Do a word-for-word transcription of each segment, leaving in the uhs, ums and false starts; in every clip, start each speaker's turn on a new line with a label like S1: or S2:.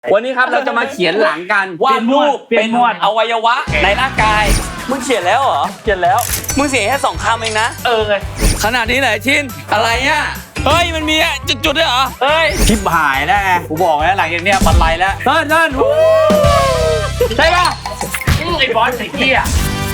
S1: วันนี้ครับเราจะมาเขียนหลังกันวาดรูปเป็นอวัยวะในร่างกายมึงเขียนแล้วเหรอเขียนแล้วมึงเสียแค่สองคำเองนะเออไงขนาดนี้ไหนชินอะไรอ่ะเฮ้ยมันมีจุดๆด้วยเหรอเฮ้ย
S2: ชิบหายแล้วไงกูบอกแล้วหลังจากเนี้ยบันไลแล้วเติ้ลเติ้ล
S1: ใช่ป่ะไอ้บอสไอ้เหี้ย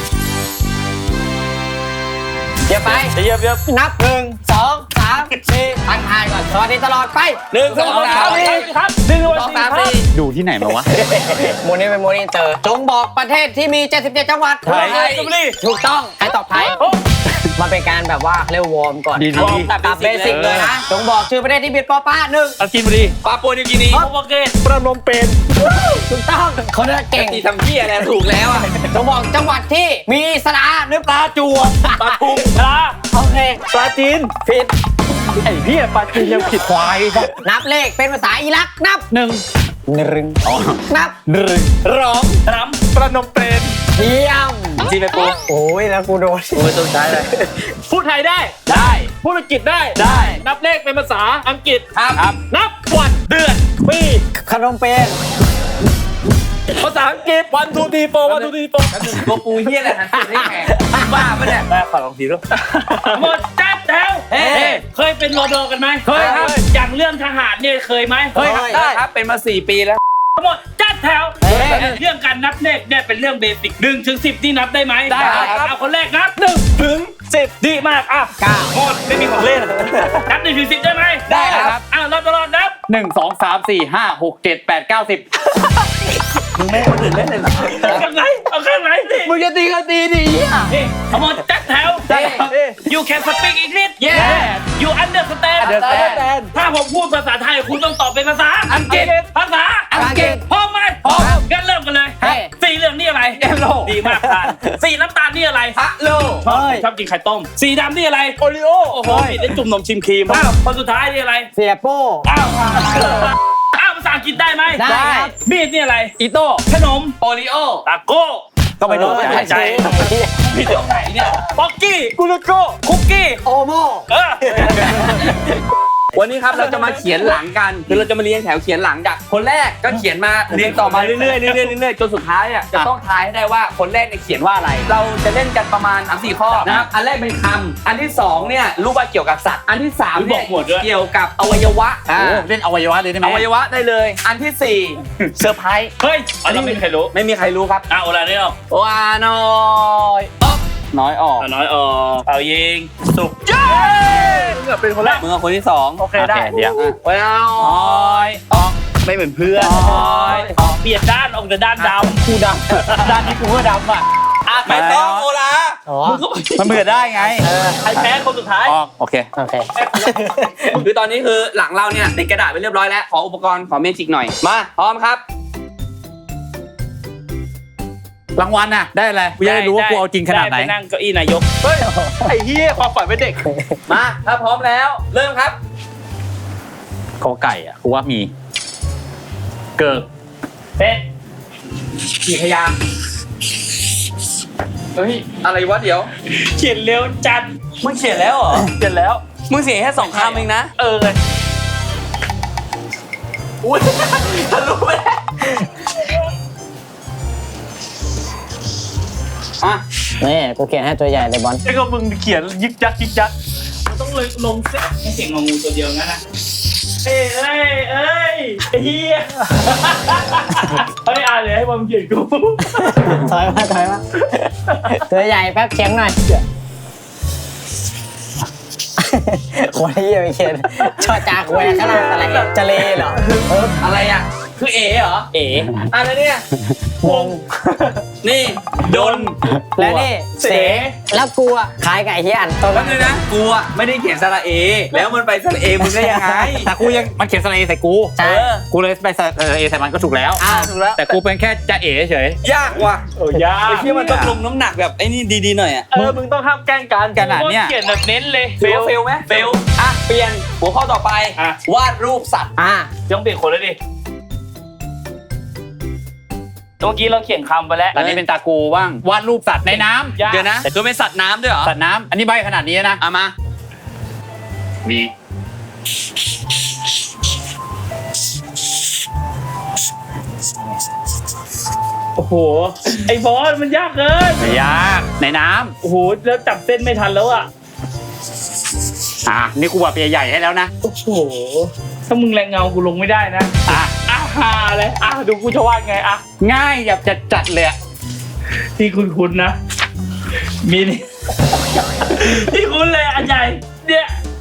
S1: เดี๋ยวไปเดี๋ยวเดี๋ยว
S3: นับหนึ่งสองสามสี่ตั้งทายก่อนสวัสดีตลอดไป
S1: หนึ่งสองสามสี่ครับหนึ่งสองสามสี่
S2: ดูที่ไหนมาวะ
S3: โมนี่เป็นโมนี่เตอร์จงบอกประเทศที่มีเจ็ดสิบเจ็ดจังหวัด
S1: ไทย
S3: ถูกต้องใครตอบไทยมาเป็นการแบบว่าเรียกวอร์มก่อน
S2: ดีๆ
S3: แบบเบสิกเลยนะจงบอกชื่อประเทศที่มีปอป้าหนึ่ง
S1: อากินบุรีปาปัวนิวกินีโอเคประนมเปญ
S3: ถูกต้องคนนั้นเก่ง
S1: ตีทำพี่อะไรถูกแล้วอ่ะ
S3: จงบอกจังหวัดที่มีสระหรือปลาจวบ
S1: ปลาทุมปลา
S3: โอเค
S1: ปลาจีน
S3: ผิด
S1: ไอ้พี่ปลาจีนยังผิดควาย
S3: นับเลขเป็นภาษาอิรักนับ
S2: หนึ่ง
S3: หนึ่งนับ
S2: หนึ่ง
S1: ร้องรำประนมเปญ
S3: เยี่ยม
S1: จีนไปปู
S3: โอ้ยแล้วกูโดน
S1: โอ้ยต้องใช้เลยพูดไทยได้ได้พูดอังกฤษได้ได้นับเลขเป็นภาษาอังกฤษครับนับวันเดือนปี
S3: ขนมเปญ
S1: ภาษาอังกฤษวันทูทีโฟวันทูทีโฟตัวปูเฮียอะไรนะนี่แข่บ้าปะเนี่ยแม่ขอลองทีด้วยหมดจัดแล้วเคยเป็นโรโดกันไหมเคยครับอย่างเรื่องทหารเนี่ยเคยไหมเคยได้ครับเป็นมาสี่ปีแล้วหมดจัดแถวเรื่องการนับเลขเนี่ยเป็นเรื่องเบสิกหนึ่งถึงสิบนี่นับได้ไหมได้ครับเอาคนแรกนับหนึ่งถึงสิบดีมากอ่ะ
S3: เก้า
S1: หมดไม่มีของเล่นนับหนึ่งถึงสิบได้ไหมได้ครับอ้าวนับตลอดนับ
S2: หนึ่งสองสามสี่ห้าหกเจ็ดแปดเก้าสิบ
S1: มึงไม่คนอื่นเล่นเลยเหรอเอาข้างไหนเอาข้างไหนดิ
S2: มึงจะตีก็ตีดิ
S1: นี่เอาหมดจัดแถว you can speak English
S2: yes
S1: you understand
S2: understand
S1: ถ้าผมพูดภาษาไทยคุณต้องตอบเป็นภาษาอังกฤษภาษา
S3: อังกฤษ
S1: พร้อมไหมพร้อมงั้นเริ่มกันเลยสีเหลืองนี่อะไร
S2: เอโล
S1: ดีมากทานสีน้ำตาลนี่อะไร
S2: ฮัลโหล
S1: ชอบกินไข่ต้มสีดำนี่อะไรโอริโอโอ้โหได้จุ่มนมชิมครีมอ้าวคนสุดท้ายนี่อะไร
S3: เสียโป้
S1: อ้าวอ้าวภาษาอังกฤษได้ไหม
S3: ได้
S1: มีดนี่อะไร
S2: อิโต้
S1: ขนม
S2: โอริโอ
S1: ตาโก้
S2: ก็ไปโดนใจใจ
S1: พี่เดี๋ยวไหนเนี่ยป๊อกกี้กุลโก้คุกกี้
S3: โอโม
S1: วันนี้ครับเราจะมาเขียนหลังกันคือเราจะมาเรียงแถวเขียนหลังจากคนแรกก็เขียนมาเรียงต่อมาเรื่อยๆเรื่อยๆเรื่อยๆจนสุดท้ายอ่ะจะต้องทายให้ได้ว่าคนแรกเนี่ยเขียนว่าอะไรเราจะเล่นกันประมาณ สามสี่ ข้อนะครับอันแรกเป็นคำอันที่สองเนี่ยรู้ว่าเกี่ยวกับสัตว์อันที่สามเนี่ยเกี่ยวกับอวัยวะ
S2: เล่นอวัยวะเลยได้ไหม
S1: อวัยวะได้เลยอันที่สี่เซอร์ไพรส์เฮ้ยอันนี้ไม่มีใครรู้ไม่มีใครรู้ครับอ้าวอะไรเนี่ยว้าน้อย
S2: น้อยออก
S1: น้อยออกเอายิงสุกเย้มึงเป็นคนแรกมึงคนที่สองโอเคได้
S2: เดี๋ยว
S1: ว้าวออกไม่เหมือนเพื่อนออกเปลี่ยนด้านออกจากด้านดำ
S2: กูดำด้านนี้กูก็ดำอ่ะ
S1: ไม่ต้องโอลา
S2: มันเบื่อได้ไง
S1: ใครแพ้คนสุดท้าย
S2: ออกโอเค
S3: โอเค
S1: คือตอนนี้คือหลังเราเนี่ยติดกระดาษไปเรียบร้อยแล้วขออุปกรณ์ขอเมจิกหน่อยมาพร้อมครับ
S2: รางวัลน่ะได้อะไรกูจะได้รู้ว่ากูเอาจริงขนาดไหน
S1: ไปนั่งเก้าอี้นายกเฮ้ยไอ้เหี้ยความฝันเป็นเด็กมาถ้าพร้อมแล้วเริ่มครับ
S2: กอไก่อ่ะกูว่ามีเกิด
S1: เป็ดกี่พยางค์เฮ้ยอะไรวะเดี๋ยวเขียนเร็วจัดมึงเขียนแล้วเหรอเขียนแล้วมึงเสียแค่สองคำเองนะเออเลยอุ้ยทะลุไปอ่ะ
S3: นี่กูเขียนให้ตัวใหญ่เลยบอล
S1: ไอ้ก็มึงเขียนยิกยักยิกยักมันต้องเลยลงเส้นให้เสียงงองูตัวเดียวงั้นนะเอ้ยเอ้ยเอ้ยไอ้เหี้ยเฮ้ยอ่านเลยให้บอลเขียนกู
S3: ถอยมาถอยมาตัวใหญ่แป๊บเขียงหน่อยคนที่จะไปเขียนชอจากแหวกขนาดอะไรจะเลเหรอ
S1: อะไรอ่ะคือเอ๋เหรอเอ๋อะไรเนี่ยวงนี่ดน
S3: แล้วนี่
S1: เส
S3: แล้วกูอ่ะขายไก่เฮียน
S1: ตอนนั้นเลยนะกูอ่ะไม่ได้เขียนสระเอแล้วมันไปสระเอมึงได้ยังไง
S2: แต่กูยังมันเขียนสระเอใส่กู
S3: ใช่
S2: กูเลยไปสระเอใส่มันก็ถูกแล้ว
S1: อ้าวถูกแล้ว
S2: แต่กูเป็นแค่จะเอ๋เฉย
S1: ยากว่ะเออยากไอ้ที่มันต้องลงน้ำหนักแบบไอ้นี่ดีๆหน่อยอ่ะเออมึงต้องห้ามแกล้งกัน
S2: ขนาดเนี้ย
S1: เขียนแบบเน้นเลยเฟลเฟลไหมเฟลอ่ะเปลี่ยนหัวข้อต่อไปวาดรูปสัตว์
S3: อ่ะ
S1: ต้องเปลี่ยนคนแล้วดิเมื่อกี้เราเขียนคำไปแล้ว
S2: ตอนนี้เป็นตากูบ้างวาดรูปสัตว์ในน้ำ
S1: เดี๋ยวนะแต่ตัวเป็นสัตว์น้ำด้วยเหรอ
S2: สัตว์น้ำอันนี้ใบขนาดนี้นะ
S1: เอามามีโอ้โหไอ้บอสมันยากเกิน
S2: ไม่ยากในน้
S1: โอ้โหแล้วจับเส้นไม่ทันแล้วอ่ะ
S2: ำอ่ะนี่กูแบบใหญ่ๆให้แล้วนะ
S1: โอ้โหถ้ามึงแรงเงากูลงไม่ได้นะ
S2: อ่ะ
S1: อ่ะฮาเลยอ่ะดูกูจะวาดไงอ่ะ
S2: ง่ายแบบจัดจัดๆเลยอะ
S1: ที่คุณคุณนะมีนี่ ที่คุณเลยอันใหญ่เนี่ย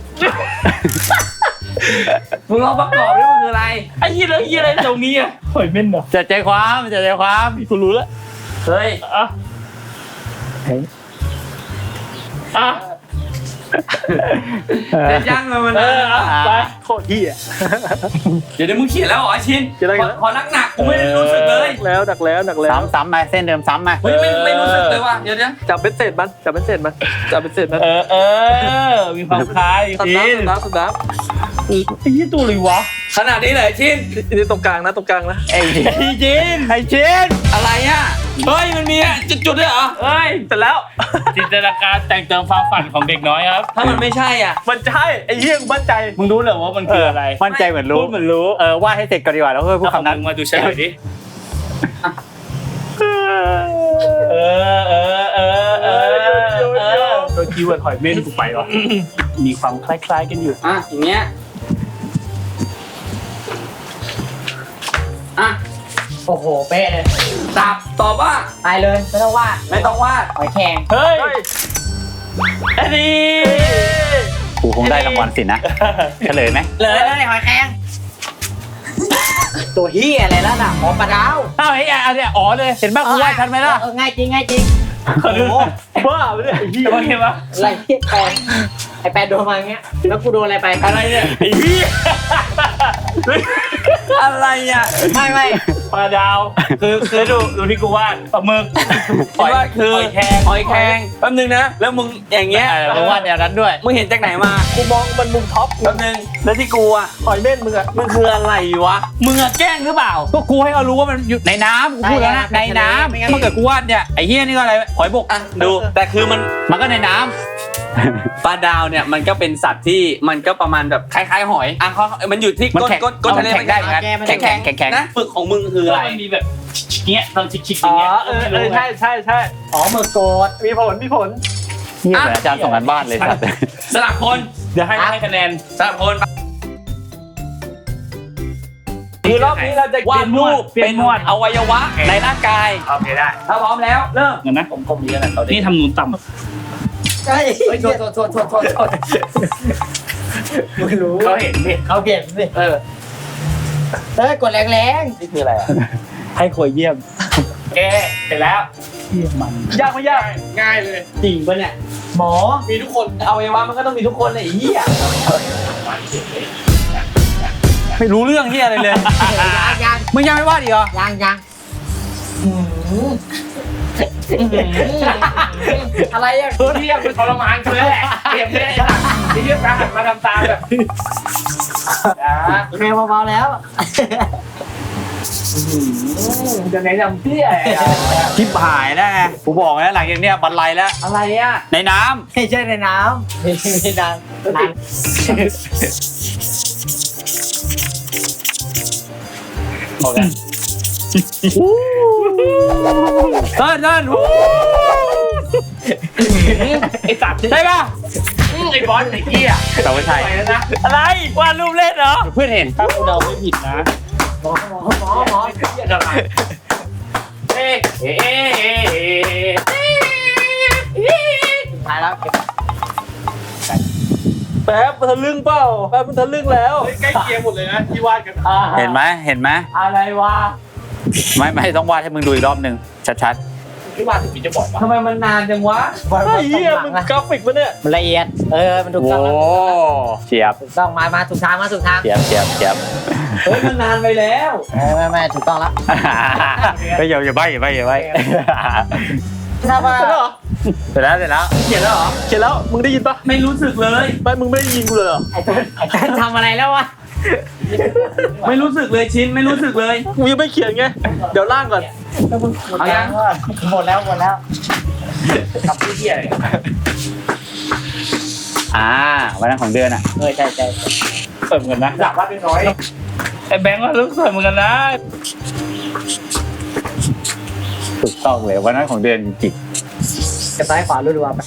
S4: มึงลองประกอบดิมันคืออะไร
S1: ไอ้ยี่แล้วยี่อะไรตรงนี้อ่ะหอยเม่นเหรอ
S2: จัดใจความจัดใจความ
S1: กูรู้แล้ว
S4: เฮ้ย
S1: อ่ะอ่ะ
S4: เด็ดย่างเลยมัน
S1: เอออ่ะไป
S3: โคตรเหี้ย
S4: เดี๋ยวเดี๋ยวมึงเขียนแล้วเหรอชิน
S3: เขียนแล้ว
S4: ขอขอหนักๆกูไม่ได้รู้สึกเลย
S3: แล้วหนักแล้วหนักแล้ว
S2: ซ้ำซ้ำมาเส้นเดิมซ้ำมา
S4: เฮ้ยไม่ไม่รู้สึกเลยว่ะเดี๋ยวเดี๋ยว
S3: จับเป็นเศษมันจับเป็นเศษมันจับเป็นเศษมัน
S1: เออเออมีความคล้าย
S3: สับ
S1: จริง
S3: น้ำสับน้ำสับน้
S1: ไอ้ยี่ตัวเลยวะ
S4: ขนาดนี้เลยชิน
S3: ำนี่ตรงกลางนะตรงกลางนะ
S2: ไอ้เจ
S1: ไอ้จิน
S2: ไอ้เจน
S4: อะไรอ่ะเฮ้ยมันมีจุดๆด้วยเหรอ
S1: เอ้ย
S3: เสร็จแล้ว
S1: จินตนาการแต่งเติมความฝันของเด็กน้อยครับ
S4: ถ้ามันไม่ใช่อ่ะ
S3: มันใช่ไอ้เหี้ยกูมั่นใจ
S1: มึงรู้เหรอว่ามันคืออะไร
S2: มั่นใจเหมือนรู้
S1: พูดเหมือนรู้
S2: เออวาดให้เสร็จก่อนดีกว่าแล้วค่อยพูด
S1: เอา
S2: คำนั้น
S1: มึงมาดูเฉลยดิเออเออเออเออเออโดยคีย์เวิร์ดหอยเม่นกูไปวะมีความคล้ายๆกันอยู่
S4: อ่ะอย่างเงี้ยอ่ะ
S3: โอ้โหเป๊ะเลย
S4: ตับตอบว่า
S3: ไปเลยไม่ต้องวาด
S4: ไม่ต้องวาด
S3: หอยแครง
S1: เฮ้ยอันนี้
S2: กูคงได้รางวัลสินะเฉลยไหม
S3: เลยเลยหอยแครงตัวเหี้ยอะไรแล้วน่ะหมอปลาดาว
S2: อ้าวไอ้ยอันเนี้ยอ๋อเลยเห็นป่ะกูวาดชัดไหมล่ะ
S3: เออง่ายจริงง่ายจริงโอ้โห
S1: บ้าไปเลยไอ้เหี้ยว่าไงวะ
S3: อะไรที่แปนไอแปนโดนมาอย่างเงี้ยแล้วกูโดนอะไรไป
S1: อะไรเนี่ยไอ้เหี้ย
S4: อะไรอ่ะ
S3: ไม่ไม่
S1: ปลาดาว คือคือดูดูที่กูวาดปลาหมึก
S4: คิดว่าคือ
S1: หอยแครง
S4: หอยแครงแป๊บนึงนะแล้วมึงอย่างเงี้ย
S2: เออกูวาดแนวนั้นด้วย
S4: มึงเห็นจากไหนมา
S3: กูมองมันมุมท็อป
S4: แป๊บนึงแล้วที่กูอ่ะ
S3: หอยเม่นมึงอะ
S4: มันคืออะไรวะมึงอะแกล้งหรือเปล่า
S2: ก็กูให้เขารู้ว่ามันอยู่ในน้ำกูพูดแล้วนะในน้ำเมื่อเกิดกูวาดเนี่ยไอ้เฮียนี่ก็อะไรหอยบก
S4: อ่ะดูแต่คือมัน
S2: มันก็ในน้
S4: ปลาดาวเนี่ยมันก็เป็นสัตว์ที่มันก็ประมาณแบบคล้ายๆหอยอ่ะเขามันอยู่ที่
S2: มัน
S4: ก้น
S2: แข็ง
S4: ก้นก้นทะเล
S2: มันแข็งได้เหมือนกัน
S4: แข็งแข็ง
S2: แข็งแข็ง
S4: นะฝึกของมึงคือ
S1: คือ
S4: อะไร
S1: มันมีแบบเงี้ยตอนชิกๆอ
S3: อ๋
S1: ย่างเงี้ย
S3: อเออเออใช่ใช่ใช่อ๋อมือโกดมีผลมีผล
S2: ำเฮียเหมือนอาจารย์ส่งกันบ้านเลยสัตว์
S4: สลับคน
S1: เดี๋ยวให้ให้คะแนน
S4: สลับคน
S1: คือรอบนี้เราจะ
S4: วาดรูป
S1: เปลี่
S4: เป็
S1: ย
S4: น
S1: นหมวด
S4: อวัยวะในร่างกาย
S1: โอเคได้
S4: ถ้าพร้อมแล้วเริ่ม
S1: เงินนะผมผมมีอะไรเขานี่ทำนูนต่
S3: ใช่
S4: เฮ้ยโทษโทษโทษโทษโทษโทษ
S3: มึงรู้
S1: ำเขาเห็นดิ
S3: เขาเห็นสิ
S4: เออ
S3: เฮ้ยกดแรง
S4: นี่คืออะไรอ่ะ
S1: ให้ควยเยี่ยมแกเสร็จแล้วเยี่ยมมัน
S3: ๆยากไม่ยาก
S4: ง่ายเลย
S3: จริงปะเนี่ยหมอ
S4: มีทุกคนอวัยวะมันก็ต้องมีทุกคนเลยไอ้เหี้ย
S2: ไม่รู้เรื่องเฮียอะไรเลย
S3: ยังยัง
S2: มึงยังไม่วาดอีกเหรอ
S3: ยังยังอะไรอะ
S1: เยี่ยมเป็นทรมานกูเลยแหละเยี่ยมเลยไอ้เยี่ยมตาหันมาทำตาแบบอ่า
S3: แม่เบาๆแล้ว
S1: จะไหนจำเปี้ย
S2: ชิบหายแล้วไงกูบอกแล้วหลังจากเนี้ยบรรลัยแล้ว
S4: อะไรอ่ะ
S2: ในน้
S3: ไม่ใช่ในน้ำไม่ใช่ในน้ำน้
S1: โอเค
S2: ำเติ้ลเติ้ลวู้
S1: ไอ้สัตว์
S2: ใช่ป่ะ
S1: ไอ้บอลไอ้เกี้ย
S2: แต่ไม่ใช่
S1: ไปแล้วนะอะไรวาดรูปเล่นเหรอ
S2: เพื่อนเห็น
S1: ถ้ากูเดาไม่ผิดนะ
S3: ำหมอหมอหมอหมอ
S1: เกี้ยอะไรเอ๊ะเอ๊ะเอ๊ะเอ๊ะ
S3: ตายแล้วเก็บ
S5: แป๊บมันทะลึ่งเปล่าแป๊บมันทะลึ่งแล้ว
S1: ใกล้เคียงหมดเลยนะที่วาดกัน
S2: เห็นไหมเห็นไหม
S3: อะไรวะ
S2: ไม่ไม่ต้องวาดให้มึงดูอีกรอบหนึ่งชัด
S1: ที่วาดถึงมีจะบอกว่า
S4: ทำไมมันนานจังวะ
S3: บอล
S5: ไอ้
S3: ต
S5: เหี้ย
S3: กหลั
S5: มึ
S3: ง
S5: ง
S3: นะ
S5: กราฟิกปะเนี่ย
S3: มันละเอียดเออมัน
S2: ๆ
S3: ถูก
S2: โอ้
S3: ต้องแล้ว
S2: เฉียบ
S3: ถูกต้องมามาถูกทางมาถูกทาง
S2: เฉียบเฉียบเฉียบ
S4: เฮ้ยมันนานไปแล้ว
S3: เออไม่ไม่ถูกต้องแล้ว
S2: ไม่อย่าอย่าใบอย่าใบอย่าใบ
S3: ถ้าว่า
S5: เสร็จแล้วเหรอ
S2: เสร็จแล้วเสร็จแล้ว
S4: เขียนแล้วเหรอ
S5: เขียนแล้วมึงได้ยินปะ
S4: ไม่รู้สึกเลย
S5: ไม่มึงไม่ได้ยินกูเลยเหรอ
S3: ไอ้ต้นไอ้ต้นทำอะไรแล้ววะ
S4: ไม่รู้สึกเลยชินไม่รู้สึกเลย
S5: กูยังไม่เขียนไงเดี๋ยวล่างก่อน
S4: เอายัง
S3: หมดแล้วหมดแล้ว
S1: ทำที่เกี้ยอะไร
S2: อ่าวันนั้นของเดือนอ่ะ
S3: เออใช่ใช่
S1: เปิดเหมือนกันนะอยากวาดน้อยไอ้แบงค์ว่ารู้สึกเหมือนกันนะ
S2: ต้องเลยวันนั้นของเดือนจิก
S3: จะซ้ายขวารัวๆไป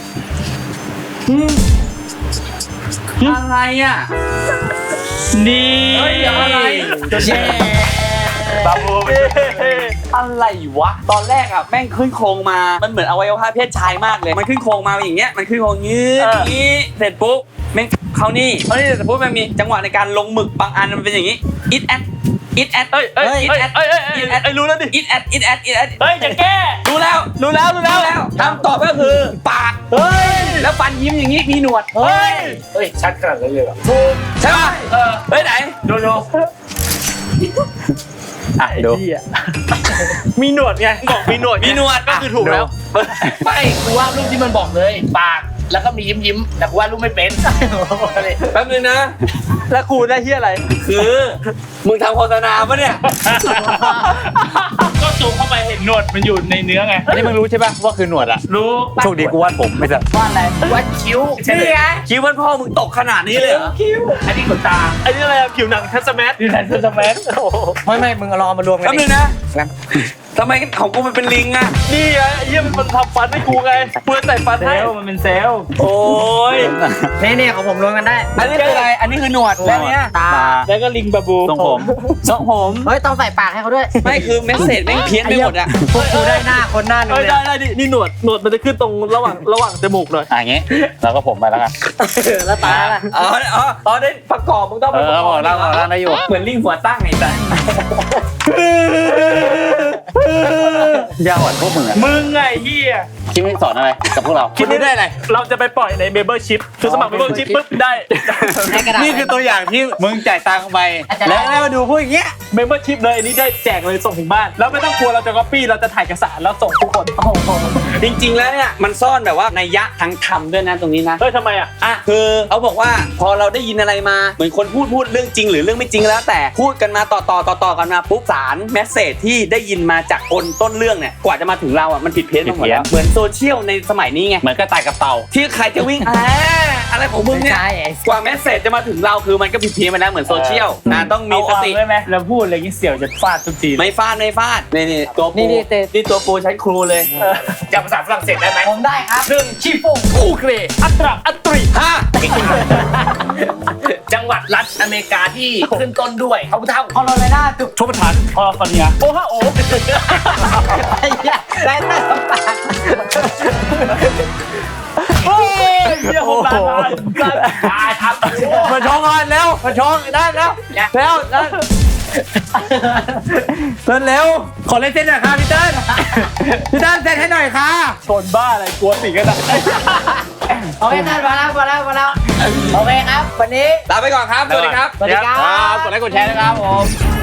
S4: อะไรอ่ะ
S2: นี่
S4: เฮ้ยอะไร
S3: เย้
S5: บาบู
S4: อะไรวะ ตอนแรกอ่ะแม่งขึ้นโครงมา มันเหมือนอวัยวะเพศชายมากเลย มันขึ้นโครงมาอย่างเงี้ย มันขึ้นโครงยืดอย่างงี้ เสร็จปุ๊บแม่งเขานี่เขานี่เสร็จปุ๊บมันมีจังหวะในการลงหมึกบางอันมันเป็นอย่างงี้ it at it at
S5: เอ้ยเอ้ย
S4: it
S5: เอ้ย
S4: at
S5: เอ้ยเอ้ยเอ้ยรู้แล้วดิ
S4: it at it at it at
S5: เฮ้ยจะแก้
S4: รู้แล้ว
S5: รู้แล้วรู้แล้ว
S4: รู้แล้วคำตอบก็คือปาก
S5: เฮ้ย
S4: แล้วฟันยิ้มอย่างงี้มีหนวด
S5: เฮ้ย
S1: เฮ้ยชัดขนาดนั้นเลยเหรอ
S4: ใช่ป่ะเออเฮ้ยไหน
S1: ดูดู
S2: อ่ะดู
S5: มีหนวดไงบอกมีหนวด
S4: มีหนวด
S5: ก็คือถูกแล้ว
S1: ไม่กูว่ารูปที่มันบอกเลย ปากแล้วก็มียิ้มยิ้มๆแต่กูว่ารูปไม่เป็น
S4: แป๊บนึงนะ
S5: แล้วกูได้ที่อะไร
S4: คือมึงทำโฆษณาปะเนี่ย
S1: ก็ซูมเข้าไปเห็นหนวดมันอยู่ในเนื้อไง
S2: อันนี้มึงรู้ใช่ป่ะว่าคือหนวดอ่ะ
S1: รู้
S2: โชคดีกูวาดผมไม่สัตว์
S3: ว่าอะไร
S1: วัดคิ้วใช่ไหม
S4: คิดว่าพ่อมึงตกขนาดนี้เลยเหรอ
S1: อันนี้ขนตา
S5: ไอ้นี่อะไรอะผิวหนังทัสแมท
S1: ดีไซน์เซอร์แมน
S5: โอ้โห
S3: ไม่ไม่มึงเอาลองมารวมกั
S4: แป๊
S3: น
S4: บ
S3: ดิ
S4: นึงนะทำไมของกูมันเป็นลิงอะ
S5: นี่ไงไอ้เหี้ยมันทำฟันให้กูไงกูจะใส่ฟัน
S1: เซ
S5: ให้
S1: ลล์มันเป็นเซลล์
S5: โอ้ย
S3: นี่นี่ของผมรวมกันได้
S4: อันนี้คืออะไร อันนี้คือหนวดและเนี้ย
S3: ตา
S5: แล้วก็ลิงบาบู
S2: ทรงผม
S4: ทรงผม
S3: เฮ้ยต้องใส่ปากให้เขาด้วย
S4: ไม่คือเมสเซจแม่งเพี้ยนไปหมดอะ
S3: พวกกูได้หน้าคนหน้าหนึ่ง
S5: เอ้ย
S3: เลย
S5: ได้ได้ดินี่หนวดหนวดมันจะขึ้นตรงระหว่างระหว่างจมูกหน่อย
S2: อ่ะอย่างงี้แล้วก็ผมไปแล้วกัน
S3: แล้วตาล่ะ
S4: อ๋ออ๋ออ๋อได้ประกอบมึงต้อง
S2: เอ
S4: ไปประ
S2: อก
S4: อบ
S2: บอกแล้วบอกแล้วได้อยู่
S4: เหมือนลิงหัวตั้งไงแต่
S2: ยาวอ่อนพวกมึงอ่ะ
S1: มึงไงเฮีย
S2: คิดไม่สอนอะไรกับพวกเรา
S5: คิดได้อะไรเราจะไปปล่อยในเมเบอร์ชิพคือสมัครเมเบอร์ชิพปุ๊บได้
S3: ให้กระดาษ
S2: นี่คือตัวอย่างที่มึงจ่ายตังค์ไปแล้วแล้วมาดูพวกอย่างเงี้ย
S5: เมมเบอร์ชิพเลยอันนี้ได้แจกเลยส่งถึงบ้าน แล้วไม่ต้องกลัวเราจะก๊อปปี้เราจะถ่ายเอกสารแล้วส่งทุกคน
S4: จริงๆแล้วเนี่ยมันซ่อนแบบว่านัยยะทางธรรมด้วยนะตรงนี้นะ
S5: เฮ้ยทำไมอ่ะ
S4: อ่ะคือเขาบอกว่าพอเราได้ยินอะไรมาเหมือนคนพูดพูดเรื่องจริงหรือเรื่องไม่จริงแล้วแต่พูดกันมาต่อต่อต่อต่อกันมาปุ๊บสารแมสเสจที่ได้ยินมาจากคนต้นเรื่องเนี่ยกว่าจะมาถึงเราอ่ะมันผิดเพี้ยนมาหมดแล้วเหมือนโซเชียลในสมัยนี้ไง
S2: เหมือนกระต่ายกับเต่า
S4: ที่ใครจะวิ่งอ่าอะไรของมึงเนี่ย
S3: ใช่ไอ้
S4: กว่าแมสเสจจะมาถึงเราคือมันก็ผิดเพี้ยนไปแล้วเหมือนโซเชียลนะต้องมี
S1: เอา
S4: ส
S1: ออก
S4: ติ
S1: ได้ไหมแล้วพูดอะไรอย่างงี้เสี่ยวจะฟาดทุกที
S4: ไม่ฟาดไม่ฟาดนี่นี่ตัวปู
S3: นี่นี่เต
S4: นี่ตัวปูชั้นครูเลย
S1: จำภาษาฝรั่งเศสได้ไหม
S3: ผมได้ครับ
S1: หนึ่งชีฟง
S4: กูเกร
S5: อัตราอัตริ
S4: ห้า
S1: จังหวัดรัฐอเมริกาที่ขึ้นต้นด้วยเขาเท่า
S3: คอโลราโดจุก
S1: ชมประทานคอฟอร์เนีย
S5: โอ้ฮะโอ้
S3: ไอ้เหี้ยได้แต่สปาก
S5: โอ้ยเฮียผมลาลา
S1: ตายครับ
S2: มาชงกันแล้วมาชงได้แล้วแล้วแล้วเต้นเร็วขอเล่นเต้นหน่อยค่ะพี่เต้นพี่เต้นเต้นให้หน่อยค่ะ
S5: ชนบ้าอะไรกลัวสิกันอะ
S3: โอเคท่านมาแล้วมาแล้วมาแล้วโอเคครับวันนี้
S4: ลาไปก่อนครับสวัสดีครับ
S3: สวัสดีครับ
S2: กดไลค์กดแชร์นะครับผม